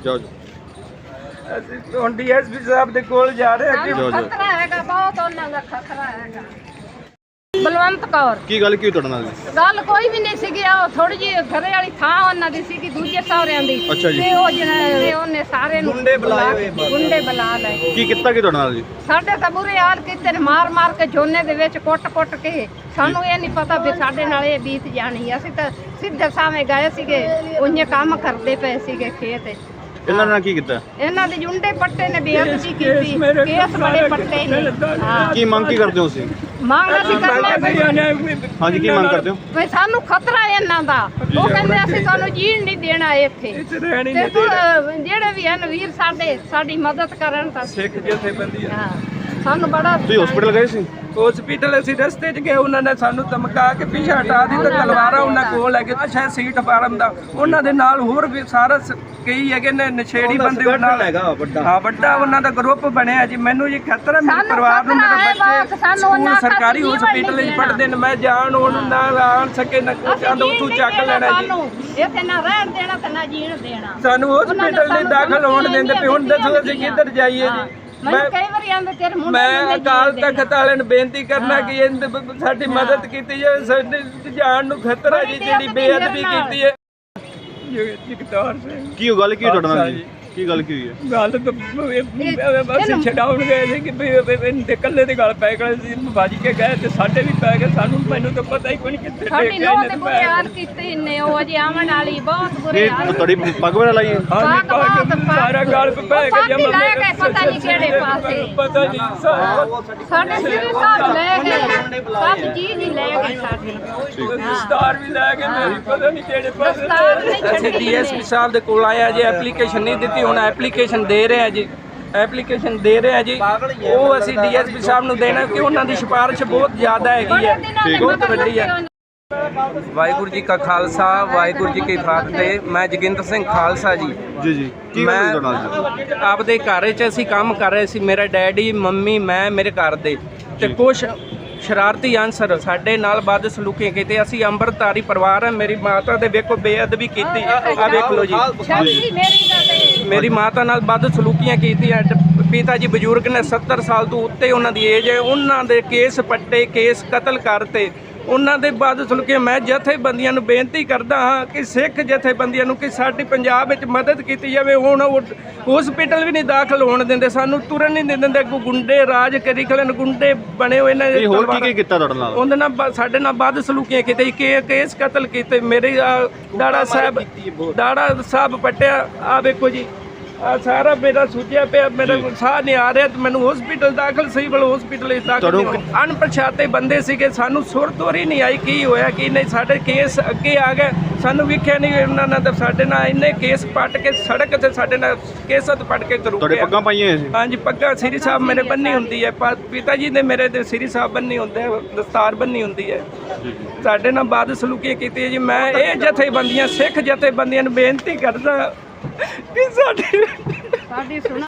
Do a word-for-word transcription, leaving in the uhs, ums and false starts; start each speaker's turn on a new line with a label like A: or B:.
A: ਜਾਓ ਜਾਓ
B: ਅਸੀਂ ਹੁਣ ਡੀਐਸਪੀ ਸਾਹਿਬ ਦੇ ਕੋਲ ਜਾ ਰਹੇ ਹਾਂ।
A: ਜਾਓ ਜਾਓ
C: ਖਤਰਾ ਹੈਗਾ ਬਹੁਤ, ਉਹਨਾਂ ਦਾ ਖਤਰਾ ਹੈਗਾ। ਬਲਵੰਤ ਕੌਰ।
A: ਕੀ ਗੱਲ ਕੀ ਹੋਈ ਤੁਹਾਡੇ ਨਾਲ ਜੀ?
C: ਗੱਲ ਕੋਈ ਵੀ ਨਹੀਂ ਸੀਗੀ, ਉਹ ਥੋੜੀ ਜਿਹੀ ਘਰੇ ਵਾਲੀ ਥਾਂ ਉਹਨਾਂ ਦੀ ਸੀਗੀ ਦੂਜੇ ਸਹੁਰਿਆਂ ਦੀ।
A: ਅੱਛਾ ਜੀ।
C: ਤੇ ਉਹ ਜਿਹੜੇ ਉਹਨੇ ਸਾਰੇ ਨੂੰ ਗੁੰਡੇ ਬੁਲਾਏ ਗੁੰਡੇ ਬੁਲਾ ਲਏ।
A: ਕੀ ਕੀਤਾ ਕੀ ਤੁਹਾਡੇ ਨਾਲ ਜੀ?
C: ਸਾਡੇ ਤਾਂ ਬੁਰੇ ਹਾਲ ਕੀਤੇ ਨੇ, ਮਾਰ ਮਾਰ ਕੇ ਝੋਨੇ ਦੇ ਵਿੱਚ ਕੁੱਟ-ਕੁੱਟ ਕੇ। ਸਾਨੂੰ ਇਹ ਨਹੀਂ ਪਤਾ ਵੀ ਸਾਡੇ ਨਾਲ ਇਹ ਬੀਤ ਜਾਣੀ। ਅਸੀਂ ਤਾਂ ਸਿੱਧੇ ਸਾਵੇਂ ਗਏ ਸੀਗੇ, ਉਹਨੇ ਕੰਮ ਕਰਦੇ ਪਏ ਸੀਗੇ ਖੇਤ।
A: ਇਹਨਾਂ ਨਾਲ ਕੀ ਕੀਤਾ?
C: ਇਹਨਾਂ ਦੇ ਜੁੰਡੇ ਪੱਟੇ ਨੇ, ਬੇਅਦਬੀ ਕੀਤੀ, ਕੇਸ ਬੜੇ ਪੱਟੇ ਨੇ। ਹਾਂ।
A: ਕੀ ਮੰਗ ਕੀ ਕਰਦੇ ਹੋ ਤੁਸੀਂ?
C: ਮੰਗ ਅਸੀਂ ਕਰਨਾ
A: ਹਾਂਜੀ ਕੀ ਮੰਗ ਕਰਦੇ ਹੋ?
C: ਵੀ ਸਾਨੂੰ ਖਤਰਾ ਹੈ ਇਹਨਾਂ ਦਾ। ਉਹ ਕਹਿੰਦੇ ਅਸੀਂ ਤੁਹਾਨੂੰ ਜੀਣ ਨਹੀਂ ਦੇਣਾ ਇੱਥੇ। ਤੇ ਤੂੰ ਜਿਹੜੇ ਵੀ ਹਨ ਵੀਰ ਸਾਡੇ ਸਾਡੀ ਮਦਦ ਕਰਨ ਤਾਂ
B: ਸਿੱਖ ਜਥੇਬੰਦੀ
C: ਹਾਂ ਸਾਨੂੰ ਬੜਾ।
A: ਤੁਸੀਂ ਹਸਪੀਟਲ ਗਏ ਸੀ?
B: ਹਸਪੀਟਲ ਅਸੀਂ ਰਸਤੇ 'ਚ ਗਏ, ਉਹਨਾਂ ਨੇ ਸਾਨੂੰ ਧਮਕਾ ਕੇ ਪਿੱਛੇ ਹਟਾ ਦਿੱਤਾ। ਤਲਵਾਰਾਂ ਉਹਨਾਂ ਕੋਲ ਲੈ ਕੇ ਅੱਛਾ ਸੀਟ ਫਾਰਮ ਦਾ ਉਹਨਾਂ ਦੇ ਨਾਲ ਹੋਰ ਵੀ ਸਾਰਾ ਕਈ ਹੈਗੇ ਨੇ ਨਸ਼ੇੜੀ ਬੰਦੇ ਉਹਨਾਂ ਨਾਲ ਹੈਗਾ ਵੱਡਾ। ਹਾਂ ਵੱਡਾ ਉਹਨਾਂ ਦਾ ਗਰੁੱਪ ਬਣਿਆ ਜੀ। ਮੈਨੂੰ ਜੀ ਖਤਰਾ ਮੇਰੇ ਪਰਿਵਾਰ ਨੂੰ, ਮੇਰੇ ਬੱਚੇ ਸਕੂਲ ਸਰਕਾਰੀ ਹਸਪੀਟਲ 'ਚ ਪੜ੍ਹਦੇ ਨੇ। ਮੈਂ ਜਾਣ ਹੁਣ ਨਾ ਆਣ ਸਕੇ ਨਾ ਕੁਛ ਆਂਦਾ ਉੱਥੋਂ ਚੱਕ ਲੈਣਾ ਜੀ।
C: ਇੱਥੇ ਨਾ ਰਹਿਣ ਦੇਣਾ ਤੇ ਨਾ ਜੀਣ ਦੇਣਾ।
B: ਸਾਨੂੰ ਹਸਪੀਟਲ ਨਹੀਂ ਦਾਖਲ ਹੋਣ ਦਿੰਦੇ ਪਏ। ਹੁਣ ਦੱਸੋ ਅਸੀਂ ਕਿੱਧਰ ਜਾਈਏ ਜੀ?
C: ਮੈਂ ਕਈ ਵਾਰੀ ਆਂਦੇ ਤੇਰੇ ਮੁੰਡੇ
B: ਮੈਂ ਅਕਾਲ ਤਖਤ ਵਾਲਿਆਂ ਨੂੰ ਬੇਨਤੀ ਕਰਨਾ ਕਿ ਇਹਦੇ ਸਾਡੀ ਮਦਦ ਕੀਤੀ ਜਾਵੇ। ਸਾਡੇ ਜਾਨ ਨੂੰ ਖਤਰਾ ਜੀ, ਜਿਹੜੀ ਬੇਅਦਬੀ ਕੀਤੀ ਹੈ। ਜਗਤਾਰ ਸਿੰਘ।
A: ਕੀ ਉਹ ਗੱਲ ਕੀ ਤੁਹਾਡੇ ਨਾਲ ਜੀ? ਕੀ ਗੱਲ ਕੀ ਹੋਈ ਹੈ?
B: ਗੱਲ ਤਾਂ ਅਸੀਂ ਛਡਾਉਣ ਗਏ ਸੀ ਕਿ ਵੀ ਇਹਦੇ ਇਕੱਲੇ ਦੇ ਗੱਲ ਪੈ ਗਏ ਸੀ, ਵੱਜ ਕੇ ਗਏ ਤੇ ਸਾਡੇ ਵੀ ਪੈ ਗਏ। ਸਾਨੂੰ ਮੈਨੂੰ ਤਾਂ ਪਤਾ ਹੀ ਕੋਈ ਨਹੀਂ ਕਿੱਥੇ
C: ਸਾਡੀ ਨੋਹ ਤੇ ਬੁਰੇ ਹਾਲ ਕੀਤੇ ਨੇ। ਉਹ ਅਜੇ ਆਉਣ ਵਾਲੀ ਬਹੁਤ ਬੁਰੇ ਹਾਲ।
A: ਤੁਹਾਡੀ ਪੱਗ ਵਗੈਰਾ ਲਾਈ ਹੈ?
B: ਸਾਰਾ ਗੱਲ ਪੈ ਗਿਆ ਜਮਾ।
C: ਲੈ ਗਏ ਪਤਾ ਨਹੀਂ ਕਿਹੜੇ ਪਾਸੇ,
B: ਪਤਾ ਨਹੀਂ
C: ਸਾਡੇ ਸਿਰ ਸਾਹ ਲੈ ਗਏ, ਸਭ ਚੀਜ਼ ਹੀ ਲੈ ਗਏ ਸਾਡੀ।
B: ਦਸਤਾਰ ਵੀ ਲੈ ਗਏ ਮੇਰੀ, ਪਤਾ ਨਹੀਂ ਕਿਹੜੇ ਪਾਸੇ।
C: ਦਸਤਾਰ ਨਹੀਂ ਛੱਡੀ।
B: ਅਸੀਂ ਡੀਐਸਪੀ ਸਾਹਿਬ ਦੇ ਕੋਲ ਆਇਆ ਜੀ, ਐਪਲੀਕੇਸ਼ਨ ਨਹੀਂ ਦਿੱਤੀ। ਹੁਣ ਐਪਲੀਕੇਸ਼ਨ ਦੇ ਰਹੇ ਆ ਜੀ, ਐਪਲੀਕੇਸ਼ਨ ਦੇ ਰਹੇ ਆ ਜੀ। ਉਹ ਅਸੀਂ ਡੀਐਸਪੀ ਸਾਹਿਬ ਨੂੰ ਦੇਣਾ ਕਿ ਉਹਨਾਂ ਦੀ ਸਿਫਾਰਿਸ਼ ਬਹੁਤ ਜ਼ਿਆਦਾ ਹੈਗੀ ਹੈ, ਬਹੁਤ ਵੱਡੀ ਹੈ। ਵਾਹਿਗੁਰੂ ਜੀ ਕਾ ਖਾਲਸਾ, ਵਾਹਿਗੁਰੂ ਜੀ ਕੀ ਫਤਿਹ। ਮੈਂ ਜੋਗਿੰਦਰ ਸਿੰਘ ਖਾਲਸਾ ਜੀ।
A: ਜੀ ਜੀ ਕੀ ਗੱਲ ਹੋਈ ਤੁਹਾਡੇ ਨਾਲ ਜੀ?
B: ਆਪਦੇ ਘਰ 'ਚ ਅਸੀਂ ਕੰਮ ਕਰ ਰਹੇ ਸੀ, ਮੇਰਾ ਡੈਡੀ ਮੰਮੀ ਮੈਂ ਮੇਰੇ ਘਰ ਦੇ, ਤੇ ਕੁਛ ਸ਼ਰਾਰਤੀ ਅਨਸਰ ਸਾਡੇ ਨਾਲ ਵੱਧ ਸਲੂਕੀ ਕੀਤੇ। ਅਸੀਂ ਅੰਮ੍ਰਿਤਧਾਰੀ ਪਰਿਵਾਰ ਹੈ। ਮੇਰੀ ਮਾਤਾ ਦੇ ਵੇਖੋ ਬੇਅਦਬੀ ਕੀਤੀ, ਆ ਵੇਖ ਲਓ ਜੀ। ਮੇਰੀ ਮਾਤਾ ਨਾਲ ਵੱਧ ਸਲੂਕੀਆਂ ਕੀਤੀਆਂ। ਪਿਤਾ ਜੀ ਬਜ਼ੁਰਗ ਨੇ, ਸੱਤਰ ਸਾਲ ਤੋਂ ਉੱਤੇ ਉਹਨਾਂ ਦੀ ਏਜ ਹੈ। ਉਹਨਾਂ ਦੇ ਕੇਸ ਪੱਟੇ, ਕੇਸ ਕਤਲ ਕਰਤੇ। ਉਹਨਾਂ ਦੇ ਵੱਧ ਸਲੂਕੀਆਂ। ਮੈਂ ਜਥੇਬੰਦੀਆਂ ਨੂੰ ਬੇਨਤੀ ਕਰਦਾ ਹਾਂ ਕਿ ਸਿੱਖ ਜਥੇਬੰਦੀਆਂ ਨੂੰ ਕਿ ਸਾਡੀ ਪੰਜਾਬ ਵਿੱਚ ਮਦਦ ਕੀਤੀ ਜਾਵੇ। ਹੁਣ ਹਸਪੀਟਲ ਵੀ ਨਹੀਂ ਦਾਖਲ ਹੋਣ ਦਿੰਦੇ, ਸਾਨੂੰ ਤੁਰਨ ਨਹੀਂ ਦਿੰਦੇ। ਗੁੰਡੇ ਰਾਜ ਕਰੀ ਖਲੇ, ਗੁੰਡੇ ਬਣੇ ਹੋਏ ਨੇ।
A: ਹੋਰ ਕੀ ਕੀ ਕੀਤਾ ਤੁਹਾਡੇ ਨਾਲ?
B: ਉਹਦੇ ਨਾਲ ਸਾਡੇ ਨਾਲ ਵੱਧ ਸਲੂਕੀਆਂ ਕੀਤੇ, ਕੇਸ ਕਤਲ ਕੀਤੇ। ਮੇਰੇ ਦਾੜਾ ਸਾਹਿਬ ਦਾੜਾ ਸਾਹਿਬ ਪੱਟਿਆ। ਆ ਵੇਖੋ ਜੀ, ਆ ਸਾਰਾ ਮੇਰਾ ਸੁੱਜਿਆ ਪਿਆ, ਮੇਰਾ ਸਾਹ ਨਹੀਂ ਆ ਰਿਹਾ। ਮੈਨੂੰ ਹਸਪੀਟਲ ਦਾਖਲ ਸਹੀ ਬਲ ਹਸਪੀਟਲ ਇਸ ਦਾਖਲ ਅਣਪਛਾਤੇ ਬੰਦੇ ਸੀਗੇ। ਸਾਨੂੰ ਸੁਰਤੋਰੀ ਨਹੀਂ ਆਈ ਕੀ ਹੋਇਆ ਕੀ ਨਹੀਂ। ਸਾਡੇ ਕੇਸ ਅੱਗੇ ਆ ਗਏ, ਸਾਨੂੰ ਵੇਖਿਆ ਨਹੀਂ ਉਹਨਾਂ ਨੇ। ਸਾਡੇ ਨਾਲ ਇੰਨੇ ਕੇਸ ਪੱਟ ਕੇ ਸੜਕ ਤੇ ਸਾਡੇ ਨਾਲ ਕੇਸਤ ਪੱਟ ਕੇ ਤੁਰ
A: ਤੁਹਾਡੇ ਪੱਗਾਂ ਪਾਈਆਂ ਹੋਈਆਂ ਸੀ?
B: ਹਾਂਜੀ ਪੱਗਾਂ ਸ੍ਰੀ ਸਾਹਿਬ ਮੇਰੇ ਬੰਨੀ ਹੁੰਦੀ ਹੈ। ਪਿਤਾ ਜੀ ਦੇ ਮੇਰੇ ਦੇ ਸ੍ਰੀ ਸਾਹਿਬ ਬੰਨੀ ਹੁੰਦੇ, ਦਸਤਾਰ ਬੰਨੀ ਹੁੰਦੀ ਹੈ। ਸਾਡੇ ਨਾਲ ਬਾਦ ਸਲੂਕੀ ਕੀਤੀ ਹੈ ਜੀ। ਮੈਂ ਇਹ ਜਥੇਬੰਦੀਆਂ ਸਿੱਖ ਜਥੇਬੰਦੀਆਂ ਨੂੰ ਬੇਨਤੀ ਕਰਦਾ ਕਿ ਸਾਡੀ
C: ਸਾਡੀ ਸੁਣਾ